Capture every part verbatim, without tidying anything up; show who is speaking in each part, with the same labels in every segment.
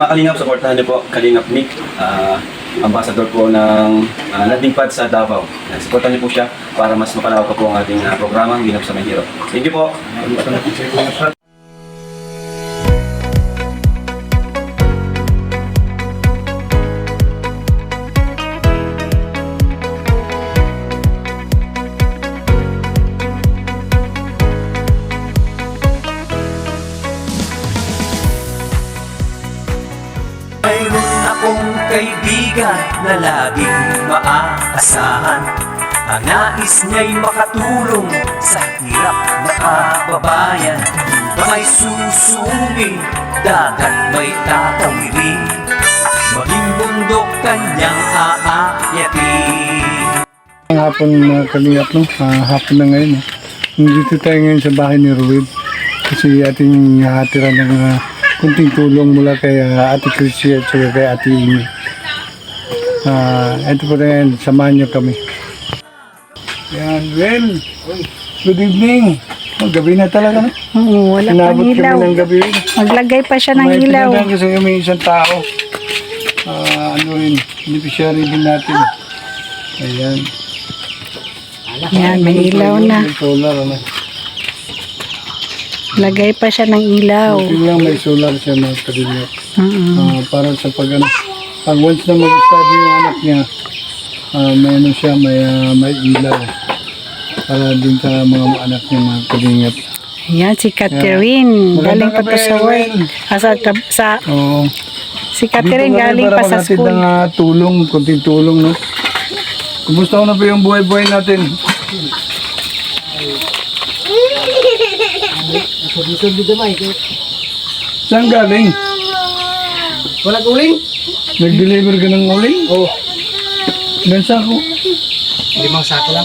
Speaker 1: Mga Kalingap, supportahan niyo po Kalingap Nick, uh, ambassador po ng uh, landing pad sa Davao. Uh, supportahan niyo po siya para mas mapalawak pa po ang ating uh, programang Ginap sa Mahirap. Thank you po.
Speaker 2: Mayroon akong kaibigan na laging maaasahan. Ang nais niya'y makatulong sa hirap na kababayan. May susumi, dagat may tatawirin, maging bundok kanyang aakyatin.
Speaker 3: Ang hapon mga Kalingap, no? Uh, hapon na ngayon. Eh. Nandito tayo ngayon sa bahay ni Ruid. Kasi ating hatira ng uh, kunting tulong mula kay uh, Ate Chrissy at saka kay Ate Amy. Uh, ito po na ngayon, samahan niyo kami. Yan, well, good evening. Oh, gabi na talaga, no?
Speaker 4: Oo, wala pang
Speaker 3: Inabot
Speaker 4: ilaw.
Speaker 3: kami ng gabi.
Speaker 4: Maglagay pa siya ng
Speaker 3: May
Speaker 4: ilaw.
Speaker 3: pinadaan kasi may isang tao. Uh, ano rin, beneficiary din natin. Ayan.
Speaker 4: Yan, may ilaw na.
Speaker 3: May solar, ano?
Speaker 4: Lagay pa siya ng ilaw.
Speaker 3: Buti lang may solar siya mga Kalingap.
Speaker 4: Mm-mm.
Speaker 3: Ah, para sa pag ano, pag once na mag-study yung anak niya, ah, may ano siya, may, ah, may ilaw. Para din sa mga anak niya mga Kalingap.
Speaker 4: Yan, si Catherine.
Speaker 3: Magandang
Speaker 4: Galing pa to
Speaker 3: gabi,
Speaker 4: sa work.
Speaker 3: Will.
Speaker 4: Ah, sa, sa,
Speaker 3: Oo.
Speaker 4: si Catherine galing pa sa school.
Speaker 3: ng uh, tulong, kunting tulong, no? Kumusta ko na ba yung buhay-buhay natin? Saan galing?
Speaker 5: Walang uling?
Speaker 3: Nag-deliver ka ng uling?
Speaker 5: Oo.
Speaker 3: Ilan sako?
Speaker 5: Limang sako lang.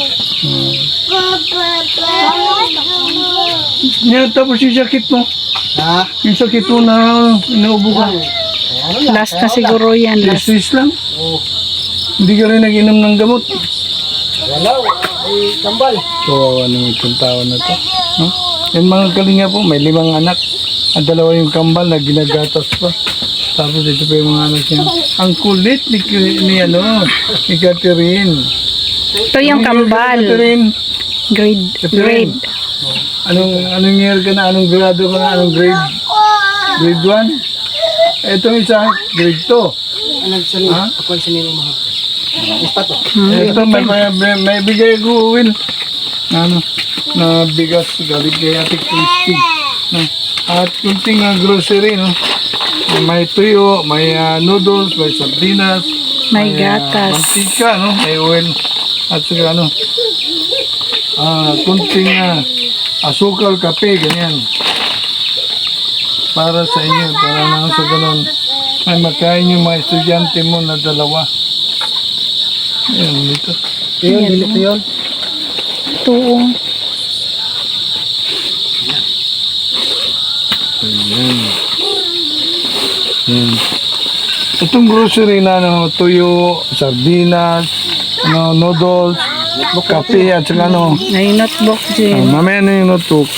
Speaker 3: Yan, tapos yung sakit mo.
Speaker 5: Ha?
Speaker 3: Yung sakit mo na inuubo ka.
Speaker 4: Last na siguro yan. Last.
Speaker 3: Stress lang.
Speaker 5: Oo.
Speaker 3: Hindi ka rin nag-inom ng gamot.
Speaker 5: Wala. Ay, kambal.
Speaker 3: So, ano itong tao na to? No? Yan mga Kalinga po, may limang anak. At dalawa yung kambal na ginagatas pa. Tapos ito pa yung mga anak niya. Ang kulit ni, ni ano, ni Catherine.
Speaker 4: Ito yung kambal.
Speaker 3: Catherine,
Speaker 4: Grade.
Speaker 3: Catherine.
Speaker 4: Grade.
Speaker 3: Anong, anong year ka na? Anong grado ka na? Anong grade? Grade one? Itong isa, grade two.
Speaker 5: Anong sanin?
Speaker 3: Ha?
Speaker 5: Ako ang sanin ng mga. Ispat to.
Speaker 3: Ito, may, may, may, may bigay ko, Will. Na, ano, na bigas galing kay Ate Christy. No? At kunting uh, grocery, no? May tuyo, may uh, noodles, may sardinas,
Speaker 4: May
Speaker 3: uh,
Speaker 4: gatas.
Speaker 3: mantika, no? May oil, at saka ano, ah, kunting uh, asukal, kape, ganyan. Para sa inyo, para nang sa ganun, ay makain yung mga estudyante mo na dalawa. Ayan, dito.
Speaker 5: Yun, bilit ko yun.
Speaker 4: Ito. oh.
Speaker 3: Ayan. Ayan. Itong grocery na ano, tuyo, sardinas, ano, noodles, kape at saka ano,
Speaker 4: May notebook
Speaker 3: ah,
Speaker 4: dyan.
Speaker 3: mamaya na yung notebook.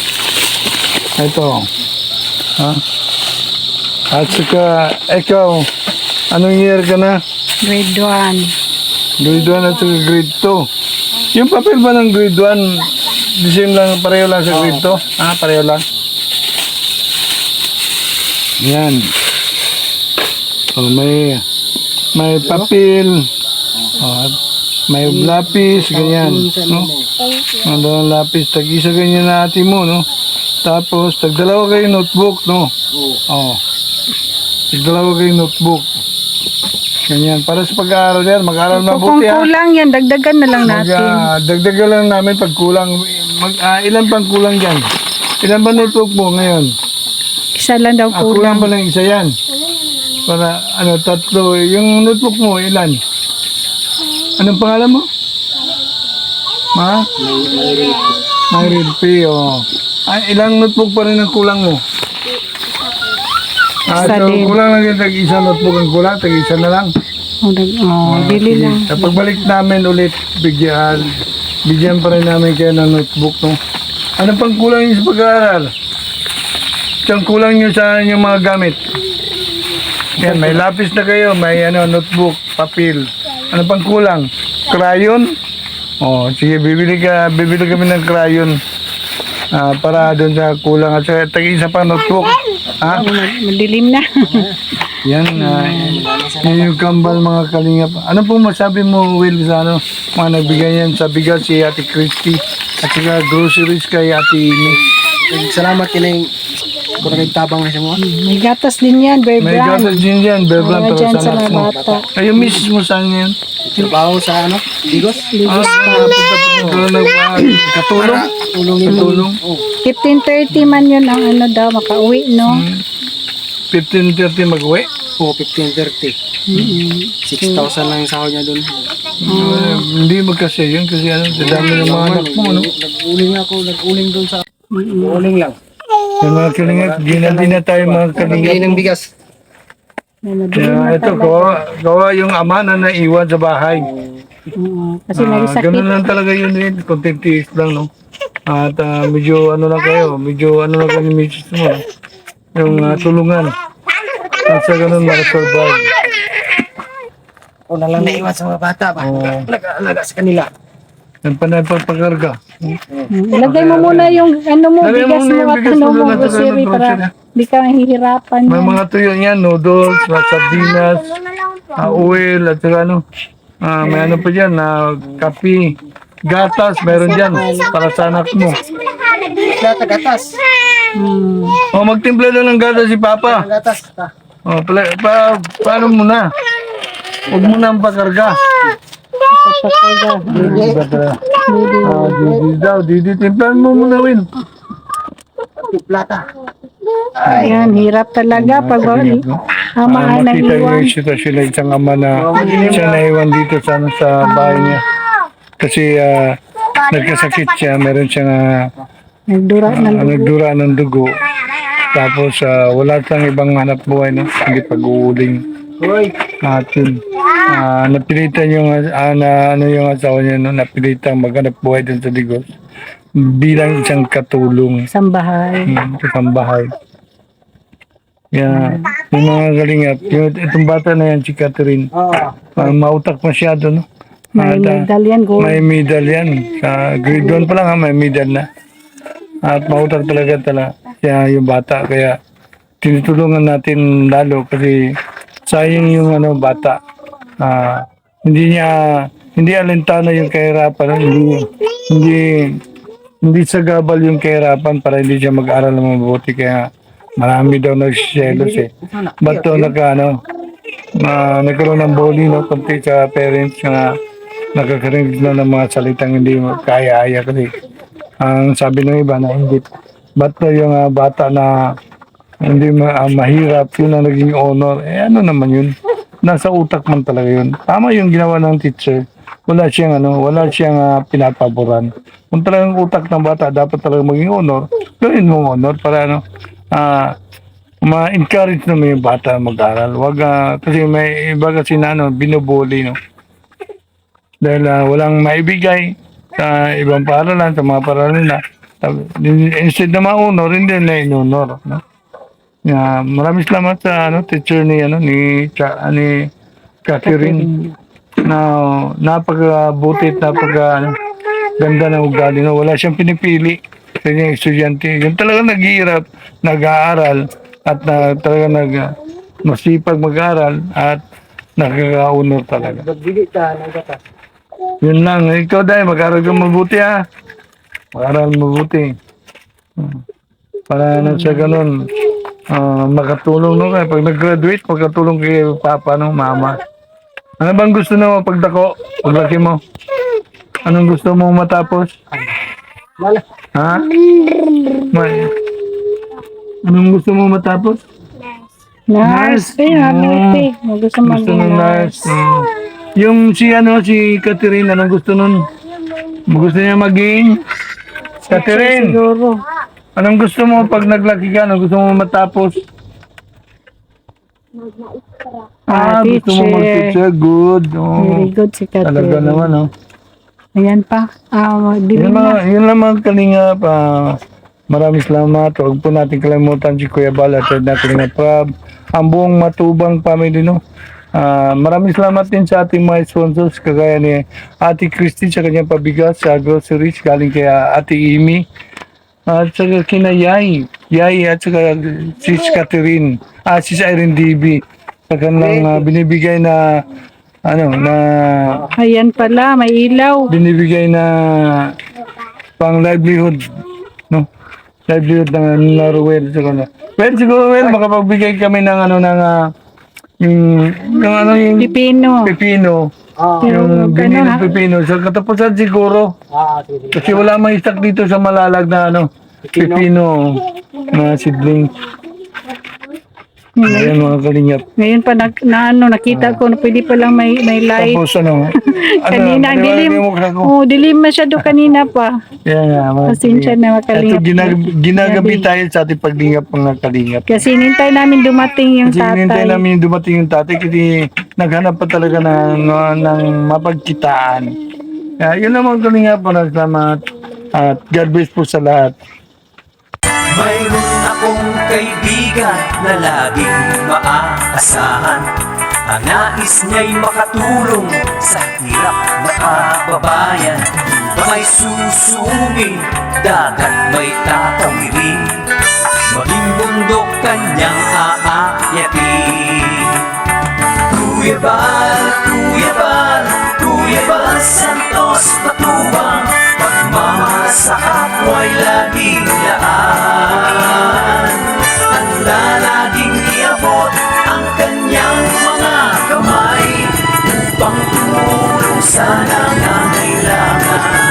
Speaker 3: Ito. Ha? At saka, ikaw, anong year ka na?
Speaker 4: Grade one.
Speaker 3: Grade one at saka grade two. Yung papel ba ng grade one, the same lang, pareho lang sa grade two? Ah, pareho lang. Yan. Oh, may may papel. Oh, at may lapis, ganyan. No? Ang dalawang lapis, tag-isa ganyan na ate mo, no? Tapos, tag-dalawa kayo notebook, no? Oh. Tag-dalawa kayo notebook. Ganyan. Para sa pag-aaral yan, mag-aaral
Speaker 4: Kung
Speaker 3: mabuti, ha?
Speaker 4: kulang yan, dagdagan na lang
Speaker 3: Mag,
Speaker 4: natin.
Speaker 3: ah, dagdagan lang namin pag kulang. Mag, ah, ilan pang kulang dyan? Ilan ba notebook mo ngayon?
Speaker 4: Isa lang daw
Speaker 3: Ah, kulang
Speaker 4: kulang.
Speaker 3: pa lang isa yan. Para, ano, tatlo. Yung notebook mo, ilan? Anong pangalan mo? Ma? Myril P. Oh. Ah, ilang notebook pa rin ang kulang mo? Ah,
Speaker 4: Isa
Speaker 3: so,
Speaker 4: din.
Speaker 3: kulang lang yung tag-isa notebook ang kulang. Tag-isa na lang.
Speaker 4: Oh, dag- oh,
Speaker 3: Ah,
Speaker 4: bili
Speaker 3: sige.
Speaker 4: lang.
Speaker 3: Kapag balik namin ulit, bigyan, bigyan pa rin namin kayo ng notebook, no? Ano pang kulang nyo sa pag-aaral? Saan kulang nyo sa inyong mga gamit? Yan, may lapis na kayo, may ano, notebook, papel. Ano pang kulang? Crayon? Oh, sige, bibili ka, bibili kami ng crayon. Ah, para doon sa kulang at saka tag-isa pa notebook. Ha?
Speaker 4: Madilim na.
Speaker 3: Yan, ah, yan yung kambal mga kalingap. Ano pong masabi mo, Will, sa ano, mga nagbigay yan sa bigas si Ate Christy at saka groceries kay Ate Amy.
Speaker 5: Salamat kinay kung nagtabang na siya mo.
Speaker 4: May gatas din yan, Bear
Speaker 3: May
Speaker 4: Brand.
Speaker 3: gatas din dyan, Beblan,
Speaker 4: Mga
Speaker 3: pero
Speaker 4: dyan
Speaker 3: sa
Speaker 4: sa
Speaker 3: anak
Speaker 4: mga
Speaker 3: mo.
Speaker 4: bata.
Speaker 3: Ay, yung misis mo saan yan?
Speaker 5: Trabaho sa ano? Digos?
Speaker 3: Ah, punta pa katulong?
Speaker 5: Tulong yung
Speaker 3: Katulong?
Speaker 5: Oh.
Speaker 4: fifteen thirty man yun ang ano daw, makauwi, no?
Speaker 3: fifteen thirty mag-uwi?
Speaker 5: Oh, fifteen thirty. six thousand lang yung sahod niya doon.
Speaker 3: Uh, hindi magkasya yun kasi ano, sa dami ng mga anak mo, ano?
Speaker 5: Nag-uling ako, nag-uling doon sa... Uling lang.
Speaker 3: Yung mga kalingap, di na, di na tayo mga kalingap.
Speaker 5: Nagbigay ng bigas.
Speaker 4: May madilim
Speaker 3: Kaya
Speaker 4: na
Speaker 3: ito,
Speaker 4: talaga.
Speaker 3: gawa, gawa yung ama na naiwan sa bahay.
Speaker 4: Oo, kasi
Speaker 3: Ah,
Speaker 4: may sakit.
Speaker 3: ganun lang talaga yun eh, konting tiis lang, no? At ah, medyo ano lang kayo, medyo ano lang kayo ni misis mo, no? Yung ah, tulungan. At sa ganun makasurvive.
Speaker 5: Ako na lang naiwan sa mga bata ba?
Speaker 3: Oo.
Speaker 5: Nag-aalaga sa kanila.
Speaker 3: Yung panay pagpakarga.
Speaker 4: Mm, Ilagay mo muna yung ano mo,
Speaker 3: Lagay mo
Speaker 4: bigas
Speaker 3: muna
Speaker 4: mo
Speaker 3: yung
Speaker 4: at
Speaker 3: bigas
Speaker 4: ano
Speaker 3: mo
Speaker 4: mo,
Speaker 3: doon at saka
Speaker 4: grocery
Speaker 3: ng
Speaker 4: para
Speaker 3: grocery.
Speaker 4: hindi ka mahihirapan
Speaker 3: May
Speaker 4: yan.
Speaker 3: mga tuyo niyan, noodles, mga sardinas, ah, oil, at saka ano, ah, may ano pa dyan, na kape, gatas, meron dyan, para sa anak mo.
Speaker 5: Gata, gatas.
Speaker 4: Hmm.
Speaker 3: O, magtimpla na ng gatas si Papa.
Speaker 5: Gatas. Ah.
Speaker 3: O, pala, pa, paano mo na? Huwag mo na ang pakarga.
Speaker 4: Papapaga.
Speaker 3: Ah, Didi daw, Didi, timplahan mo muna, Win.
Speaker 5: Plata.
Speaker 4: Ayan, hirap talaga pag
Speaker 3: Ah,
Speaker 4: ama ang
Speaker 3: makita niyo
Speaker 4: naiwan.
Speaker 3: yung sitwasyon ng isang ama na siya naiwan dito sa, ano, sa bahay niya. Kasi ah, nagkasakit siya, meron siyang ah,
Speaker 4: Nagdura ng
Speaker 3: ah, nagdura ng dugo. Tapos ah, wala siyang ibang hanap buhay, no? Hindi pag-uuling.
Speaker 5: Hoy.
Speaker 3: At yun, ah, napilitan yung, ah, na, ano yung asawa niya, no? Napilitan maghanap buhay din sa Digos bilang isang katulong
Speaker 4: sambahay.
Speaker 3: hmm, sa sambahay. Yeah, yung mga kalingap, yung, itong bata na yan, si Catherine,
Speaker 5: Oo.
Speaker 3: ah, mautak masyado, no?
Speaker 4: May
Speaker 3: At, ah,
Speaker 4: medalyan gold.
Speaker 3: may medal yan. Sa grade one pa lang ha, may medal na. At mautak talaga talaga siya yung bata. Kaya tinutulungan natin lalo kasi sayang yung ano bata. Ah, hindi niya hindi alintana yung kahirapan, hindi hindi hindi sagabal yung kahirapan para hindi siya mag-aral ng mabuti. Kaya marami daw nagsiselos eh. Ba't daw nagka ano, na nagkaroon ng bullying, no, konti sa parents na nakakarinig na ng mga salitang hindi mo kaya-aya kasi ang sabi ng iba na hindi ba't daw yung ah, bata na hindi ma- ah, mahirap yun ang naging honor, eh ano naman yun, nasa utak man talaga yun. Tama yung ginawa ng teacher, wala siyang ano, wala siyang ah, pinapaboran. Kung talagang utak ng bata dapat talaga maging honor, gawin mo honor para ano, ah ma-encourage naman yung bata mag-aral. Wag, ah, kasi may iba kasi na ano, binubuli, no? Dahil ah, walang maibigay sa ibang paaralan, sa mga paaralan na. Instead na ma-honor, hindi na in-honor, no? Yeah, maraming salamat sa ano, teacher ni, ano, ni, Cha, ni Catherine na napakabuti at napaka ano, ganda ng ugali, no? Wala siyang pinipili sa kanyang estudyante. Yung talagang naghihirap, nag-aaral, at na, talaga nag, masipag mag-aaral at nakaka-honor talaga.
Speaker 5: Nagbigay ka ng gatas.
Speaker 3: Yun lang. Ikaw dahil mag-aaral ka mabuti ha. Mag-aaral mabuti. Hmm. Para na sa ganun, ah, makatulong no kaya pag nag-graduate, makatulong kay papa no, mama. Ano bang gusto mo pagdako? Paglaki mo? Anong gusto mo matapos?
Speaker 5: Wala.
Speaker 3: Ha? May, anong gusto mo matapos?
Speaker 4: Nurse. Eh, happy. Gusto mo
Speaker 3: Gusto
Speaker 4: maging
Speaker 3: ng nurse. Mm. Yung si ano, si Catherine, anong gusto nun? Gusto niya maging? Catherine,
Speaker 4: Siguro.
Speaker 3: anong gusto mo pag naglaki ka? Anong gusto mo matapos? Ah,
Speaker 4: Ah,
Speaker 3: gusto mo
Speaker 4: teacher.
Speaker 3: mag-teacher. Good. Oh.
Speaker 4: Very good si
Speaker 3: Talaga
Speaker 4: Catherine.
Speaker 3: naman, oh.
Speaker 4: Ayan pa. Ah,
Speaker 3: Yun
Speaker 4: dilim
Speaker 3: lang,
Speaker 4: na.
Speaker 3: yun lang mga kalingap. Ah, maraming salamat. Huwag po natin kalimutan si Kuya Bal at na Kalingap Prab. ang buong Matubang family, no. Ah, maraming salamat din sa ating mga sponsors kagaya ni Ate Christy sa kanyang pabigas sa groceries galing kay ah, Ate Amy at saka kina Yay Yay at saka Sis Catherine ah Sis Irene D B sa kanilang ah, binibigay na ano na
Speaker 4: Ayan pala, may ilaw.
Speaker 3: binibigay na pang livelihood, no, livelihood ng na Ruel siguro. Well, siguro well makapagbigay kami ng ano ng ah, yung, yung ano yung
Speaker 4: Pipino.
Speaker 3: pipino,
Speaker 5: Ah,
Speaker 3: yung
Speaker 4: Yung
Speaker 3: binili
Speaker 4: ano,
Speaker 3: pipino. Sa katapusan siguro,
Speaker 5: ah, sige.
Speaker 3: kasi wala mang stock dito sa Malalag na ano, pipino na seedling. Ayan mga kalingap.
Speaker 4: Ngayon pa na, na ano, nakita ko na pwede pa lang may, may light.
Speaker 3: Tapos ano,
Speaker 4: Kanina, ang dilim.
Speaker 3: mo ko.
Speaker 4: Oh, dilim masyado kanina pa.
Speaker 3: Yan nga, mga
Speaker 4: Pasensya na mga
Speaker 3: Ito,
Speaker 4: kalingap.
Speaker 3: ginag ginagabi
Speaker 4: Gabi.
Speaker 3: tayo sa ating paglingap mga kalingap.
Speaker 4: Kasi nintay namin dumating yung
Speaker 3: Kasi hinintay
Speaker 4: tatay.
Speaker 3: namin yung dumating yung tatay kasi naghanap pa talaga ng, ng mapagkitaan. Kaya yun lang mga kalingap, maraming salamat at God bless po sa lahat.
Speaker 2: Mayroon akong kaibigan na laging maaasahan. Ang nais niya'y makatulong sa hirap na kababayan. May susungin, dagat may tatawirin, maging bundok kanyang aakyatin. Kuya Bal, Kuya Bal, Kuya Bal Santos Matubang, pagmamahal sa kapwa'y laging laan. Handa laging iabot ang kanyang mga kamay upang tumulong sa nangangailangan.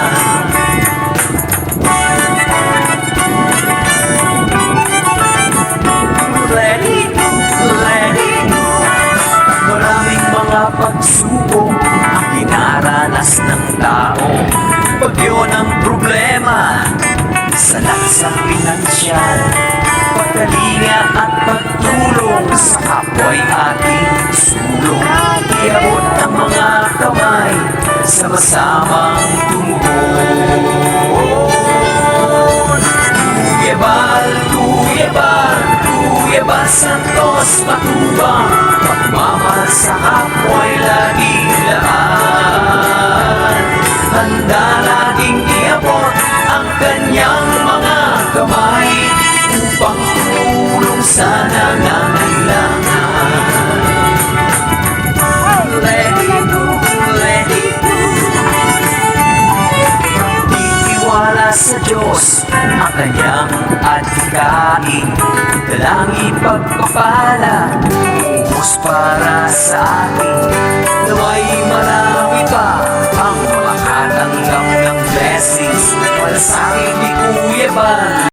Speaker 2: Let it go, let it go. Maraming mga pagsubok ang dinaranas ng tao. Bagyo ng problema, salat sa pinansyal, pagkalinga at pagtulong sa kapwa'y ating sulong. Iabot ang mga kamay, sama-samang tumuhon. Kuya Bal, Kuya Bal, Kuya Bal Santos Matubang, pagmamahal sa kapwa'y laging laan. Handa laging iabot ang kanyang mga kamay upang tumulong sa nangangailangan. Let it go, let it go. Itiwala sa Diyos ang kanyang adhikain, dalangin pagpapala, ubos para sa atin. Naway marami pa ang makatanggap ng blessings, malasakit ni Kuya Bal.